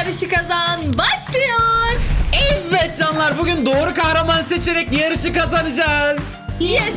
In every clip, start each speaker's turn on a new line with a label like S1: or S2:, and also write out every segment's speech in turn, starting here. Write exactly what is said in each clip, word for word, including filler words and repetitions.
S1: Yarışı kazan başlıyor.
S2: Evet canlar, bugün doğru kahraman seçerek yarışı kazanacağız.
S1: Yes.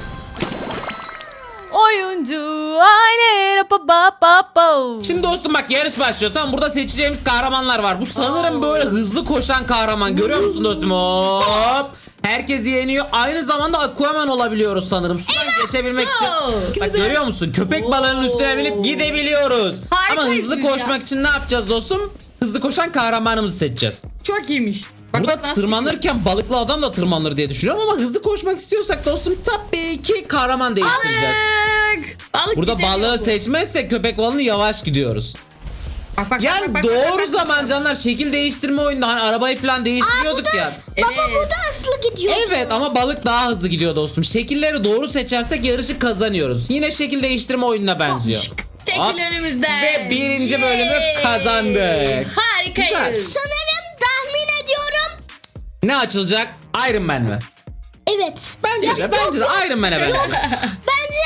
S1: Oyuncu aile pa pa pa pa.
S2: Şimdi dostum bak, yarış başlıyor. Tamam, burada seçeceğimiz kahramanlar var. Bu sanırım böyle hızlı koşan kahraman. Görüyor musun dostum? Hop. Herkes yeniyor. Aynı zamanda Aquaman olabiliyoruz sanırım. Sudan geçebilmek için. Bak görüyor musun? Köpek balığının üstüne binip gidebiliyoruz.
S1: Harikayız
S2: Ama hızlı
S1: biz
S2: koşmak
S1: ya.
S2: için ne yapacağız dostum? Hızlı koşan kahramanımızı seçeceğiz.
S1: Çok iyiymiş. Bak,
S2: Burada
S1: bak nasıl
S2: tırmanırken balıklı adam da tırmanır diye düşünüyorum ama hızlı koşmak istiyorsak dostum tabii ki kahraman değiştireceğiz.
S1: Balık. Balık
S2: Burada
S1: gidemiyor
S2: balığı
S1: bu.
S2: seçmezsek köpek balığını yavaş gidiyoruz.
S1: Bak, bak,
S2: Yani
S1: bak, bak,
S2: doğru
S1: bak, bak,
S2: zaman
S1: bak.
S2: canlar, şekil değiştirme oyunda hani arabayı falan değiştiriyorduk ya.
S1: Evet.
S3: Baba bu da hızlı gidiyor.
S2: Evet ama balık daha hızlı gidiyor dostum. Şekilleri doğru seçersek yarışı kazanıyoruz. Yine şekil değiştirme oyununa benziyor.
S1: Çekil
S2: Hop.
S1: önümüzden.
S2: Ve birinci bölümü
S1: Yay.
S2: kazandık.
S1: Harikayız.
S2: Güzel.
S3: Sanırım tahmin ediyorum.
S2: Ne açılacak? Iron Man mi?
S3: Evet.
S2: Bence de,
S3: Ya,
S2: bence de
S3: yok, yok.
S2: Iron Man'e benziyor.
S3: Bence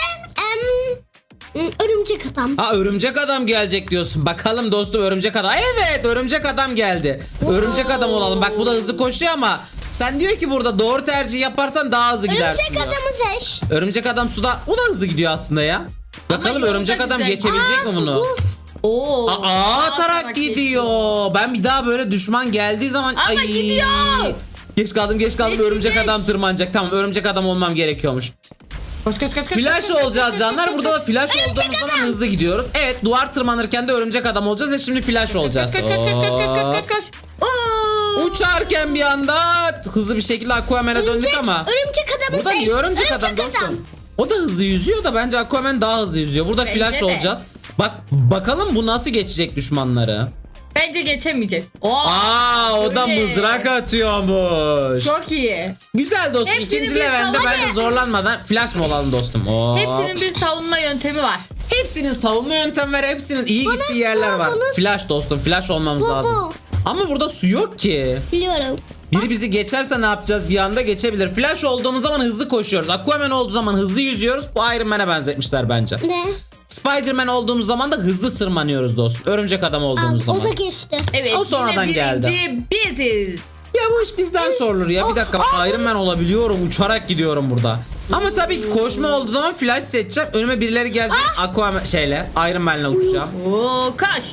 S3: em, örümcek adam.
S2: Ha, örümcek adam gelecek diyorsun. Bakalım dostum, örümcek adam. Evet, örümcek adam geldi. Örümcek adam olalım. Bak bu da hızlı koşuyor ama sen diyor ki burada doğru tercih yaparsan daha hızlı gidersin
S3: Örümcek
S2: diyor.
S3: adamı seç.
S2: Örümcek adam suda, o da hızlı gidiyor aslında ya. Bakalım
S1: yolda
S2: örümcek adam
S1: güzel.
S2: geçebilecek mi bunu?
S3: Bu
S1: Oo.
S2: Aa, atarak gidiyor. Ben bir daha böyle düşman geldiği zaman
S1: Ama gidiyor.
S2: Geç kaldım, geç kaldım.
S1: Geçecek.
S2: Örümcek adam tırmanacak. Tamam, örümcek adam olmam gerekiyormuş.
S1: Koş koş koş koş.
S2: Flash
S1: koş, koş,
S2: olacağız
S1: koş,
S2: canlar.
S1: koş,
S2: Burada
S1: koş,
S2: da flash olduğumuz zaman hızlı gidiyoruz. Evet, duvar tırmanırken de örümcek adam olacağız ve şimdi flash olacağız.
S1: Koş koş koş koş koş koş koş koş. Oo.
S2: Uçarken bir anda hızlı bir şekilde Aquaman'a döndük ama.
S3: örümcek adamı
S2: Burada
S3: seç.
S2: niye örümcek adam dostum? O da hızlı yüzüyor da bence Aquaman daha hızlı yüzüyor. Burada
S1: Bence
S2: flash
S1: de.
S2: olacağız. Bak bakalım bu nasıl geçecek düşmanları.
S1: Bence geçemeyecek. Oo.
S2: Aa, o da
S1: öyle.
S2: mızrak atıyormuş.
S1: Çok iyi.
S2: Güzel dostum.
S1: Hepsini
S2: İkinci
S1: bir
S2: levelde
S1: sala-
S2: bence zorlanmadan flash mı olalım dostum? Oo.
S1: Hepsinin bir savunma yöntemi var.
S2: Hepsinin savunma yöntemi var. Hepsinin iyi gittiği yerler var.
S3: bunu-
S2: Flash dostum. Flash olmamız
S3: Bu,
S2: lazım.
S3: bu.
S2: Ama burada su yok ki.
S3: Biliyorum.
S2: Biri bizi geçerse ne yapacağız? Bir anda geçebilir. Flash olduğumuz zaman hızlı koşuyoruz. Aquaman olduğu zaman hızlı yüzüyoruz. Bu Iron Man'e benzetmişler bence.
S3: Ne?
S2: Spider-Man olduğumuz zaman da hızlı sırmanıyoruz dostum. Örümcek adam olduğumuz
S3: Aa,
S2: zaman.
S3: o da geçti.
S1: Evet.
S2: O sonradan
S1: yine
S2: geldi.
S1: birinci biziz.
S2: Ya bu iş bizden sorulur ya. Bir dakika,
S3: Aa,
S2: Iron Man olabiliyorum. Uçarak gidiyorum burada. Ama tabii ki koşma olduğu zaman flash seçeceğim. Önüme birileri geldi. Aquaman şeyle, Iron Man'le uçacağım.
S1: Oo kaç.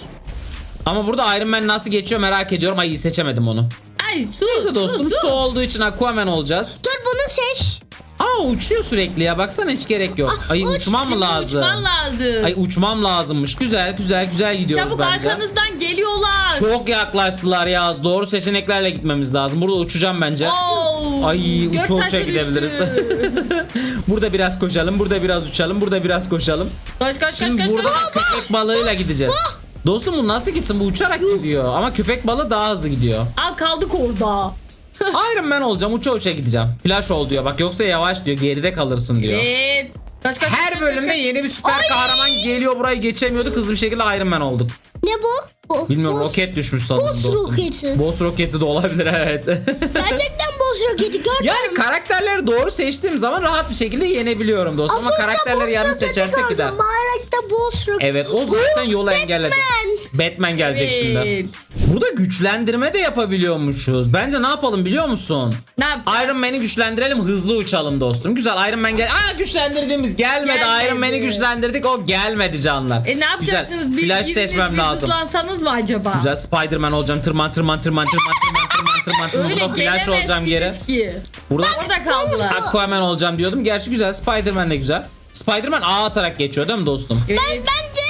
S2: Ama burada Iron Man nasıl geçiyor merak ediyorum. Ay, seçemedim onu.
S1: Ay su.
S2: Neyse dostum,
S1: su,
S2: su
S1: su.
S2: olduğu için Aquaman olacağız.
S3: Dur bunu seç.
S2: Ama uçuyor sürekli ya. Baksana, hiç gerek yok. Ay,
S3: uç,
S2: uçmam mı lazım?
S1: Uçman lazım.
S2: Ay, uçmam lazımmış. Güzel güzel güzel gidiyoruz
S1: Çabuk
S2: bence.
S1: arkanızdan geliyorlar.
S2: Çok yaklaştılar ya. Doğru seçeneklerle gitmemiz lazım. Burada uçacağım bence.
S1: Oo.
S2: Ay, uça
S1: Göktaşı
S2: uça gidebiliriz.
S1: düştü.
S2: Burada biraz koşalım, burada biraz uçalım, burada biraz koşalım.
S1: Koş koş
S2: Şimdi
S1: koş koş.
S2: burada
S1: koş.
S2: köpek balığıyla gideceğiz. Dostum bu nasıl gitsin? Bu uçarak gidiyor. Ama köpek balığı daha hızlı gidiyor.
S1: Al kaldık orada.
S2: Iron Man olacağım, uça uça gideceğim. Flash ol diyor. Bak yoksa yavaş diyor, geride kalırsın diyor.
S1: Evet. Koş, koş,
S2: Her
S1: koş,
S2: bölümde
S1: koş, koş.
S2: yeni bir süper kahraman geliyor, burayı geçemiyorduk. Hızlı bir şekilde Iron Man olduk.
S3: Ne bu? Bu.
S2: Bilmiyorum,
S3: Boss-
S2: roket düşmüş sanırım
S3: boss
S2: dostum.
S3: roketi.
S2: Boss roketi de olabilir, evet.
S3: Gerçekten boss roketi gördüm.
S2: Yani karakterleri doğru seçtiğim zaman rahat bir şekilde yenebiliyorum dostum. Ama
S3: Az önce
S2: karakterleri
S3: boss
S2: yanlış
S3: roketi
S2: seçersek
S3: gördüm.
S2: gider.
S3: Bayrakta boss roketi.
S2: Evet, o zaten
S3: Bu
S2: yolu
S3: Batman.
S2: engelledi. Batman gelecek
S1: Evet.
S2: şimdi. Burada güçlendirme de yapabiliyormuşuz. Bence ne yapalım biliyor musun?
S1: Ne yapacağız?
S2: Iron Man'i güçlendirelim, hızlı uçalım dostum. Güzel, Iron Man gel. Aa, güçlendirdiğimiz gelmedi.
S1: Gelmedi.
S2: Iron Man'i güçlendirdik, o gelmedi canlar.
S1: E ne yapacaksınız?
S2: Güzel.
S1: Bir
S2: Flash
S1: biriniz
S2: seçmem
S1: bir
S2: lazım.
S1: hızlansanız mı acaba?
S2: Güzel, Spider-Man olacağım. Tırman tırman tırman tırman tırman tırman tırman tırman.
S1: Öyle
S2: Burada flash olacağım geri.
S1: gelemezsiniz ki.
S2: Burada
S1: Orada kaldılar.
S2: Aquaman olacağım diyordum. Gerçi güzel, Spider-Man de güzel. Spider-Man ağ atarak geçiyor değil mi dostum?
S1: Evet.
S3: Bence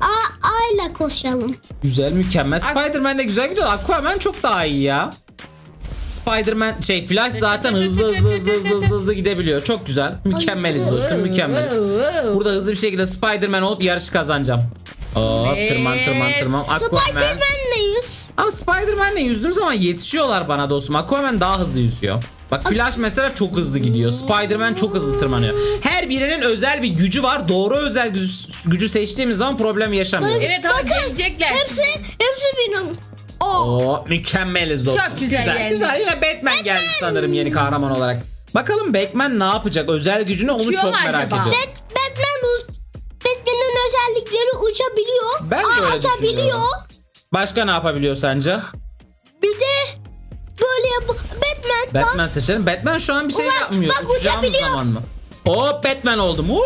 S3: A, A ile koşalım.
S2: Güzel, mükemmel.
S1: Ak-
S2: Spider-Man de güzel gidiyor. Aquaman çok daha iyi ya. Spider-Man şey Flash zaten hızlı hızlı hızlı hızlı hızlı, hızlı gidebiliyor. Çok güzel. Mükemmeliz dostum, mükemmeliz. Burada hızlı bir şekilde Spider-Man olup yarışı kazanacağım. Hop,
S1: Evet.
S2: tırman tırman tırman. Aquaman.
S3: Spider-Man'leyiz.
S2: Ama Spider-Man'le yüzdüğüm zaman yetişiyorlar bana dostum. Aquaman daha hızlı yüzüyor. Bak Flash mesela çok hızlı gidiyor. Spider-Man çok hızlı tırmanıyor. Her birinin özel bir gücü var. Doğru özel gücü, gücü seçtiğimiz zaman problem yaşamıyoruz.
S1: Evet ama gelecekler.
S3: Hepsi, hepsi benim. O.
S2: Oo, mükemmeliz dostum.
S1: Çok güzel geldi.
S2: Güzel, yine Batman geldi sanırım yeni kahraman olarak. Bakalım Batman ne yapacak? Özel gücünü onu
S1: Uçuyor
S2: çok
S1: mu
S2: merak
S1: acaba?
S2: ediyorum.
S3: Bat- Batman bu. Batman'in özellikleri uçabiliyor.
S2: Ben de
S3: ağ
S2: öyle
S3: atabiliyor.
S2: düşünüyorum. Başka ne yapabiliyor sence?
S3: Bir de böyle yap. Batman. bak.
S2: Batman seçelim. Batman şu an bir şey
S3: Ulan,
S2: yapmıyor.
S3: bak
S2: Uçacağımız
S3: uçabiliyor.
S2: zaman mı? Hop Batman oldum. Uuu,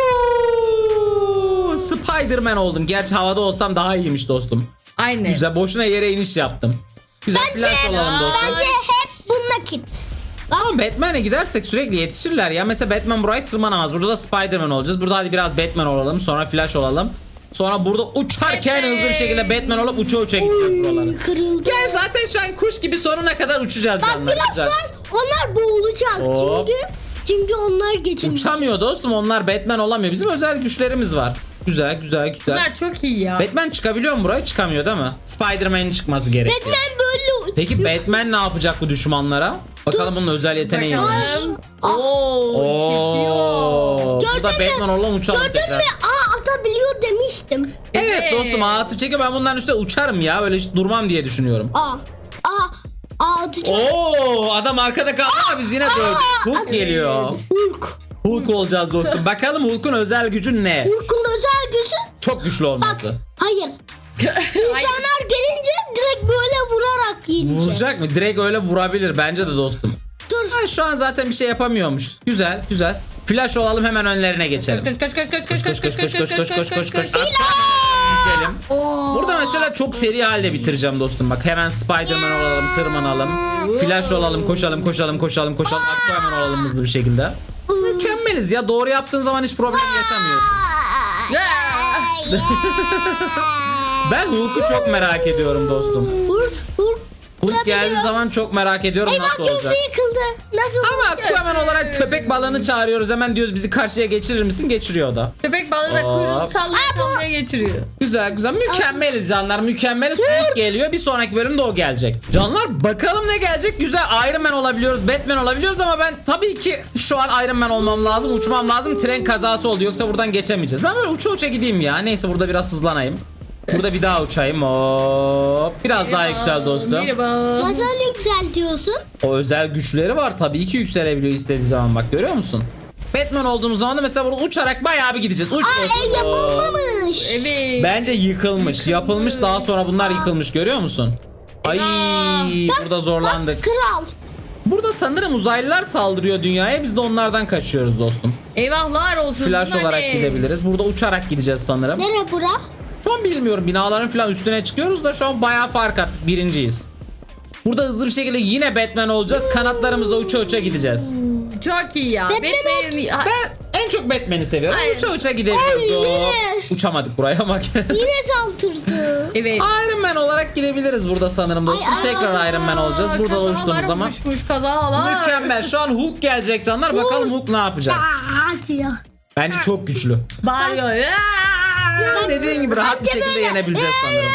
S2: Spider-Man oldum. Gerçi havada olsam daha iyiymiş dostum.
S1: Aynen.
S2: Güzel, boşuna yere iniş yaptım. Güzel flash olalım dostum.
S3: Bence hep bununla git.
S2: Ama Batman'e gidersek sürekli yetişirler ya. Mesela Batman burayı tırmanamaz. Burada da Spider-Man olacağız. Burada hadi biraz Batman olalım. Sonra Flash olalım. Sonra burada uçarken
S1: Batman.
S2: hızlı bir şekilde Batman olup uça uça gideceğiz buraları.
S3: Kırıldı.
S2: Gel zaten şu an kuş gibi sonuna kadar uçacağız.
S3: Bak
S2: canlar. Güzel.
S3: birazdan onlar boğulacak.
S2: Hop.
S3: Çünkü çünkü onlar geçemiyor.
S2: Uçamıyor dostum, onlar Batman olamıyor. Bizim özel güçlerimiz var. Güzel güzel güzel.
S1: Bunlar çok iyi ya.
S2: Batman çıkabiliyor mu buraya? Çıkamıyor değil mi? Spider-Man'in çıkması gerekiyor.
S3: Batman böyle.
S2: Peki Batman ne yapacak bu düşmanlara? Bakalım bunun özel yeteneği neymiş.
S1: Bakalım. Oo, çekiyor.
S2: Oo, bu da
S3: Gördün mü?
S2: Batman olan uçalım
S3: Gördün
S2: tekrar.
S3: mü? Aa atabiliyor demiştim.
S2: Evet
S1: Evet.
S2: dostum, ağa atıp çekiyor, ben bunların üstüne uçarım ya, böyle hiç durmam diye düşünüyorum.
S3: Aa. Aa. Aa atacak.
S2: Oo, adam arkada kaldı ama biz yine dövdük. Hulk geliyor.
S3: Hulk.
S2: Hulk olacağız dostum. Bakalım Hulk'un özel gücü ne?
S3: Hulk'un özel gücü.
S2: Çok güçlü
S3: Bak.
S2: olması.
S3: Hayır. İnsanlar gelince direkt böyle vurarak yiyecek.
S2: Vuracak mı? Direkt öyle vurabilir bence de dostum.
S3: Dur.
S2: Ha, şu an zaten bir şey yapamıyormuş. Güzel güzel. Flash olalım, hemen önlerine geçelim.
S1: Koş koş koş koş koş
S2: Koş koş koş koş koş koş koş koş.
S1: koş.
S2: Gidelim.
S3: Oo.
S2: Burada mesela çok seri halde bitireceğim dostum. Bak hemen Spider-Man olalım, tırmanalım. Flash olalım, koşalım koşalım koşalım koşalım. Aquaman olalım hızlı bir şekilde. Mükemmeliz ya. Doğru yaptığın zaman hiç problem yaşamıyorsun. Ben Hulk'u çok merak ediyorum dostum.
S3: Hulk. Hulk.
S2: Hulk geldiği zaman çok merak ediyorum
S3: Eyvah
S2: nasıl olacak.
S3: köprü yıkıldı. Nasıl?
S2: Ama Aquaman olarak köpek balığını çağırıyoruz. Hemen diyoruz bizi karşıya geçirir misin? Geçiriyor o da.
S1: Köpek balığı da
S2: Hop.
S1: kuyruğunu sallaya sallaya geçiriyor.
S2: Güzel güzel, mükemmeliz canlar, mükemmeliz. Hulk geliyor, bir sonraki bölümde o gelecek. Canlar bakalım ne gelecek. Güzel, Iron Man olabiliyoruz, Batman olabiliyoruz ama ben tabii ki şu an Iron Man olmam lazım, uçmam lazım. Tren kazası oldu, yoksa buradan geçemeyeceğiz. Ben böyle uça uça gideyim ya. Neyse, burada biraz hızlanayım. Burada bir daha uçayım. Hop. Biraz daha yüksel dostum.
S1: Merhaba.
S3: Nasıl yükseltiyorsun?
S2: O özel güçleri var, tabii ki yükselebiliyor istediği zaman, bak görüyor musun? Batman olduğumuz zaman da mesela burada uçarak bayağı bir gideceğiz. Uç
S3: Aa
S2: dostum.
S3: ev yapılmamış.
S1: Evet.
S2: Bence yıkılmış. Yapılmış, daha sonra bunlar yıkılmış, görüyor musun? Ay, burada zorlandık.
S3: Bak, kral.
S2: Burada sanırım uzaylılar saldırıyor dünyaya. Biz de onlardan kaçıyoruz dostum.
S1: Eyvahlar olsun.
S2: Flash
S1: bunlar
S2: olarak
S1: ne?
S2: gidebiliriz. Burada uçarak gideceğiz sanırım.
S3: Nere bura?
S2: Şu an bilmiyorum. Binaların falan üstüne çıkıyoruz da şu an bayağı fark attık. Birinciyiz. Burada hızlı bir şekilde yine Batman olacağız. Kanatlarımızla uça uça gideceğiz.
S1: Çok iyi ya.
S3: Batman
S1: Batman'in... Ha-
S2: Ben en çok Batman'i seviyorum.
S1: Aynen.
S2: Uça uça gidebiliyoruz.
S3: Ay, yine.
S2: Hop. Uçamadık buraya bak.
S3: Yine saldırdı.
S1: Evet.
S2: Iron Man olarak gidebiliriz burada sanırım dostum.
S3: Ay, ay,
S2: Tekrar
S3: ay,
S2: Iron Man olacağız. Burada
S1: Kazalar
S2: uçtuğumuz zaman.
S1: oluşmuş, kazalar.
S2: Mükemmel. Şu an Hulk gelecek canlar. Bakalım Hulk ne yapacak.
S3: Aa atıyor.
S2: Bence çok güçlü.
S1: Bağırıyor.
S2: Ya dediğin gibi rahat bir şekilde yenebileceğiz sanırım.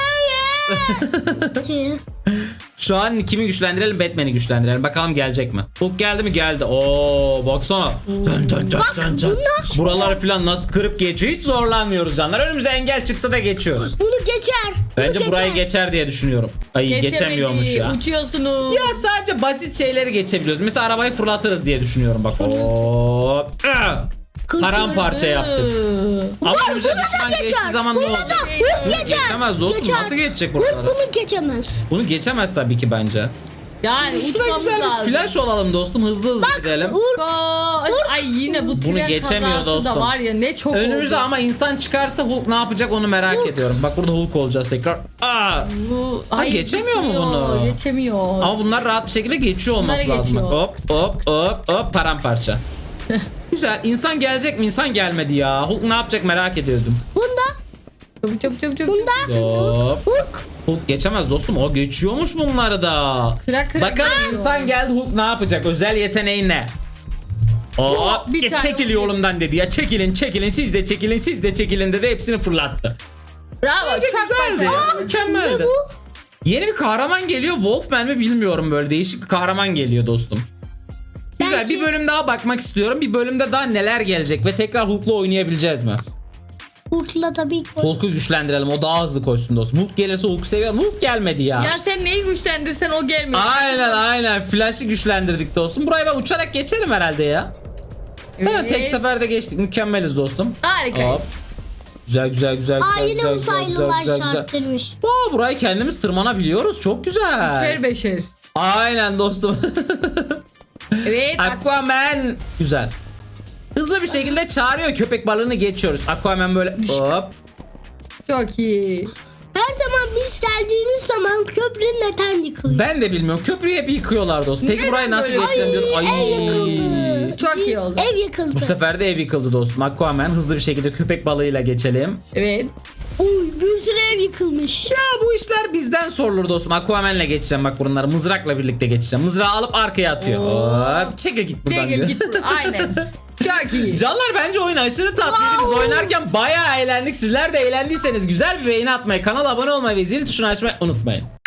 S3: Atıyor.
S2: Şu an kimi güçlendirelim? Batman'i güçlendirelim. Bakalım gelecek mi? Hulk geldi mi? Geldi. Oo, baksana. Dön dön dön dön dön. Buralar falan nasıl kırıp geçiyor. Hiç zorlanmıyoruz canlar. Önümüze engel çıksa da geçiyoruz.
S3: Bunu geçer. Bunu
S2: Bence
S3: geçer.
S2: burayı geçer diye düşünüyorum. Ay
S1: Geçemedi,
S2: geçemiyormuş ya.
S1: Uçuyorsunuz.
S2: Ya sadece basit şeyleri geçebiliyoruz. Mesela arabayı fırlatırız diye düşünüyorum bak. Hop. Ah! Paramparça yaptık. Ama önümüze
S3: Bunu da
S2: düşman geçtiği
S3: geçer.
S2: zaman ne
S3: Bunu
S2: olacak?
S3: da Hulk
S2: Bunu
S3: geçer.
S2: geçemez dostum.
S3: Geçer.
S2: Nasıl geçecek
S3: Hulk
S2: buraları?
S3: bunu geçemez.
S2: Bunu geçemez tabii ki bence.
S1: Yani
S2: Şurada
S1: uçmamız
S2: güzel
S1: lazım.
S2: bir flash olalım dostum. Hızlı hızlı gidelim.
S3: Hulk.
S1: Koş. Ay yine bu tren
S2: geçemiyor
S1: kazası
S2: dostum.
S1: da var ya ne çok
S2: Önümüze
S1: oldu.
S2: ama insan çıkarsa Hulk ne yapacak onu merak ediyorum. Bak burada Hulk olacağız tekrar. Aa!
S1: Bu,
S2: Ha, geçemiyor mu
S1: geçmiyor,
S2: bunu?
S1: Geçemiyor.
S2: Ama bunlar rahat bir şekilde geçiyor olması
S1: Bunları
S2: lazım.
S1: geçiyor.
S2: Hop hop hop hop paramparça. Güzel. İnsan gelecek mi? İnsan gelmedi ya. Hulk ne yapacak merak ediyordum.
S3: Bunda.
S1: Çabuk çabuk çabuk çabuk.
S3: Bunda.
S2: Hop.
S3: Hulk.
S2: Hulk geçemez dostum. O geçiyormuş bunları da.
S1: Kırak kırak
S2: Bakalım
S1: geçiyor.
S2: insan geldi, Hulk ne yapacak? Özel yeteneği ne? Hop,
S1: bir
S2: ge-
S1: tane
S2: çekil
S1: olacak.
S2: yolumdan dedi ya. Çekilin çekilin siz de çekilin siz de çekilin dedi, hepsini fırlattı.
S1: Bravo.
S2: Bence
S1: Çok
S2: güzeldi
S1: başarılı.
S2: ya. Mükemmeldi. Yeni bir kahraman geliyor. Wolfman mi bilmiyorum, böyle değişik bir kahraman geliyor dostum. Güzel,
S3: Belki-
S2: bir bölüm daha bakmak istiyorum. Bir bölümde daha neler gelecek ve tekrar Hulk'la oynayabileceğiz mi?
S3: Hulk'la tabii ki.
S2: Hulk'u güçlendirelim, o daha hızlı koşsun dostum. Hulk gelirse Hulk seviyorum. Hulk gelmedi ya.
S1: Ya sen neyi güçlendirsen o gelmiyor.
S2: Aynen aynen. Flash'ı güçlendirdik dostum. Burayı ben uçarak geçerim herhalde ya. Evet. Tek seferde geçtik. Mükemmeliz dostum.
S1: Harikayız.
S2: Hop. Güzel güzel güzel güzel
S3: Aa yine
S2: güzel, güzel,
S3: uzaylılar
S2: güzel, güzel.
S3: şartırmış.
S2: Aa, burayı kendimiz tırmanabiliyoruz. Çok güzel.
S1: Beşer beşer.
S2: Aynen dostum.
S1: Evet. bak-
S2: Aquaman. Güzel. Hızlı bir şekilde çağırıyor, köpek balığını geçiyoruz. Aquaman böyle hop.
S1: Çok iyi.
S3: Her zaman biz geldiğimiz zaman köprü neden yıkılıyor?
S2: Ben de bilmiyorum. Köprüyü hep yıkıyorlar dostum. Peki
S1: Neden
S2: burayı nasıl
S1: böyle?
S2: geçeceğim diyorum. Ay.
S3: Ev yıkıldı.
S1: Çok iyi oldu.
S3: Ev yıkıldı.
S2: Bu sefer de ev yıkıldı dostum. Aquaman hızlı bir şekilde köpek balığıyla geçelim.
S1: Evet.
S3: Uy bir sürü ev yıkılmış.
S2: Ya bu işler bizden sorulur dostum. Aquaman'la geçeceğim bak bunları. Mızrakla birlikte geçeceğim. Mızrağı alıp arkaya atıyor.
S1: Oo.
S2: Hop, çekil git buradan
S1: Çekil
S2: diyor.
S1: git. buradan. Aynen. Çok iyi.
S2: Canlar bence oyun aşırı tatlıydı. Biz oynarken bayağı eğlendik. Sizler de eğlendiyseniz güzel bir beğeni atmayı, kanala abone olmayı ve zil tuşunu açmayı unutmayın.